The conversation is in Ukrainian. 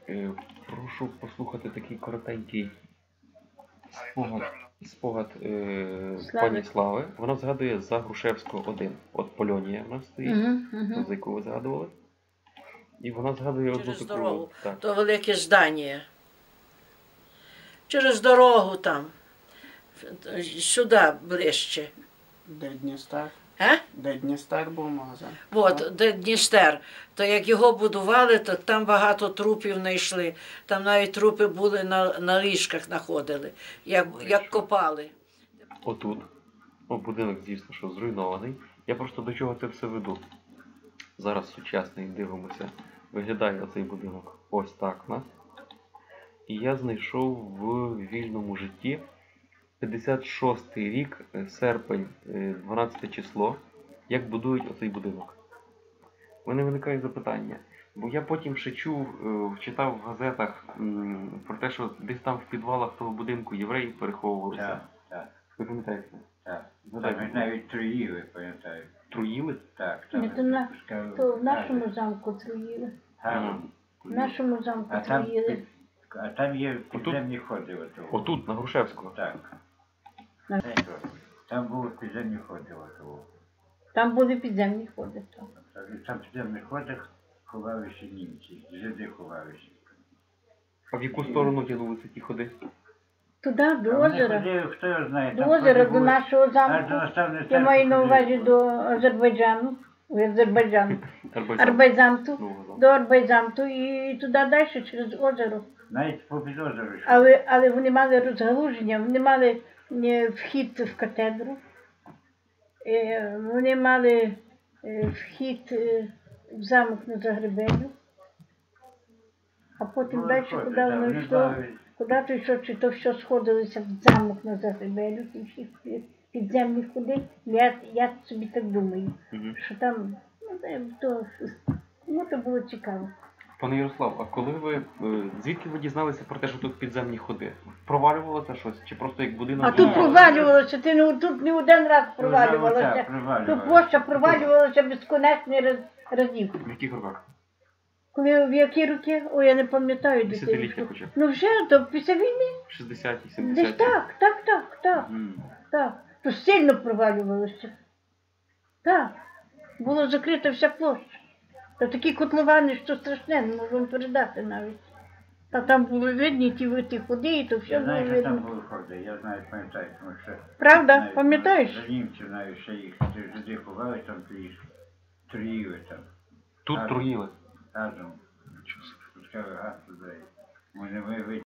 Прошу послухати такий коротенький спогад пані Слави. Вона згадує за Грушевського 1. От Полонія в нас стоїть, за яку ви згадували. І вона згадує одну Через таку... дорогу, Так. то велике здання. Через дорогу там, сюди ближче. Де Дністер? А? Де Дністер був магазин? От, де Дністер. То як його будували, то там багато трупів знайшли. Там навіть трупи були на ліжках знаходили, як копали. Отут. Будинок, звісно, що зруйнований. Я просто до чого це все веду. Зараз сучасний, дивимося. Виглядає оцей будинок ось так у нас. І я знайшов в вільному житті 56-й рік, серпень, 12 число, як будують оцей будинок. У мене виникає запитання. Бо я потім ще чув, читав в газетах про те, що десь там в підвалах того будинку євреї переховувалися. Так, так. Ви пам'ятаєте? Так. Там навіть труїли, пам'ятаю. Труїли? Так. Ні, то в нашому замку труїли. В нашому замку труїли. А там є підземні ходи. Отут, на Грушевського? Так. Там були підземні ходи. Там були підземні ходи. Там в підземних ходах ховалися німці, жиди ховалися. А в яку сторону тягнулися ті ходи? Туди, до озера. Хто його знає? До озера, до нашого замку. Я маю на увазі до Азербайджану. Арбайзамту. До Арбайзамту і туди далі, через озеро. Навіть по підозру. Але вони мали розгалуження, вони мали вхід в катедру, вони мали вхід в замок на Загребелю, а потім далі, куди воно йшло, куди то йшло, чи то все сходилося в замок на Загребелю, ті всі підземні ходи. Я собі так думаю, що там, то було цікаво. Пане Ярослав, а коли ви, звідки ви дізналися про те, що тут підземні ходи? Провалювалося щось? Чи просто як будинок? А тут провалювалося, тут не один раз провалювалося. Тут площа провалювалася безконечний разів. В яких роках? В які роки? Ой, я не пам'ятаю. Десятиліття хоча б? Ну вже, то після війни. 60-ті, 70-ті? Десь так. То сильно провалювалося. Так. Було закрита вся площа. Та такі котловани, що страшне, не можу вам передати навіть. Та там були видні ті ходи, і то все було видно. Я знаю, що там були ходи, я знаю, пам'ятаю, тому що... Правда? Пам'ятаєш? За німців навіть ще їх жиди ховали, там труїли там. Тут труїли? Разом. Пускали газ туди. Вони